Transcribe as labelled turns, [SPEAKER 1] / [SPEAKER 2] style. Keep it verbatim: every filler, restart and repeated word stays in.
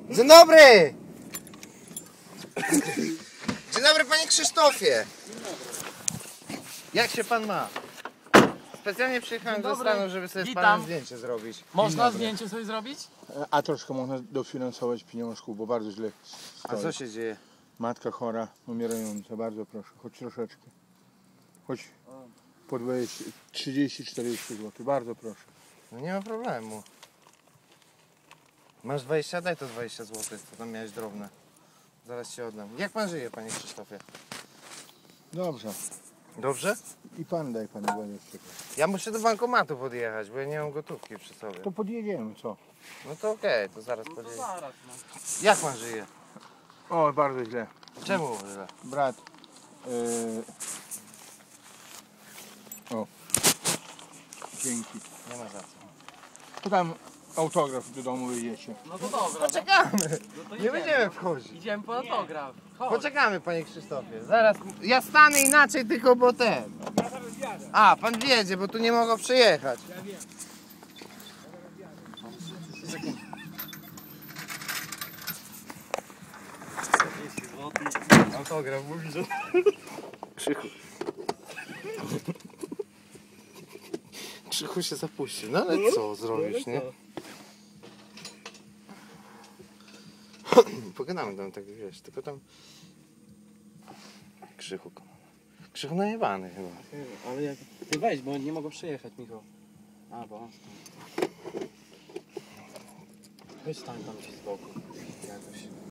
[SPEAKER 1] Dzień dobry! Dzień dobry, panie Krzysztofie! Jak się pan ma? Specjalnie przyjechałem do Stanów, żeby sobie z panem zdjęcie zrobić.
[SPEAKER 2] Można zdjęcie sobie zrobić?
[SPEAKER 3] A troszkę można dofinansować pieniążków, bo bardzo źle stoi.
[SPEAKER 1] A co się dzieje?
[SPEAKER 3] Matka chora, umierająca, bardzo proszę, choć troszeczkę. Choć po dwadzieścia, trzydzieści czterdzieści złotych, bardzo proszę.
[SPEAKER 1] No nie ma problemu. Masz dwadzieścia? Daj to dwadzieścia złotych, to tam miałeś drobne. Zaraz ci oddam. Jak pan żyje, panie Krzysztofie?
[SPEAKER 3] Dobrze.
[SPEAKER 1] Dobrze?
[SPEAKER 3] I pan daj panu dwadzieścia.
[SPEAKER 1] Ja muszę do bankomatu podjechać, bo ja nie mam gotówki przy sobie.
[SPEAKER 3] To podjedziemy, co?
[SPEAKER 1] No to okej, to zaraz
[SPEAKER 2] To
[SPEAKER 1] podjedziemy.
[SPEAKER 2] zaraz, no.
[SPEAKER 1] Jak pan żyje?
[SPEAKER 3] O, bardzo źle.
[SPEAKER 1] Czemu źle?
[SPEAKER 3] Brat. Yy... O. Dzięki.
[SPEAKER 1] Nie ma za co.
[SPEAKER 3] To tam autograf do domu wyjdziecie.
[SPEAKER 2] No to dobra.
[SPEAKER 1] Poczekamy!
[SPEAKER 2] No to
[SPEAKER 1] Nie
[SPEAKER 2] idziemy.
[SPEAKER 1] będziemy wchodzić.
[SPEAKER 2] Idziemy po autograf. Chodź.
[SPEAKER 1] Poczekamy, panie Krzysztofie. Zaraz. Ja stanę inaczej, tylko bo ten.
[SPEAKER 3] Ja zaraz jadę.
[SPEAKER 1] A, pan wiedzie, bo tu nie mogą przyjechać.
[SPEAKER 3] Ja wiem.
[SPEAKER 1] Autograf mówi, że... Krzychu. Krzychu się zapuścił. No ale co zrobisz, nie? Pogadamy tam tak, wiesz, tylko tam... Krzychu. Krzychu najebany chyba.
[SPEAKER 2] Ale jak... Ty weź, bo nie mogą przyjechać, Michał. A, bo on stoi. Weź stań tam gdzieś z boku. Jakoś.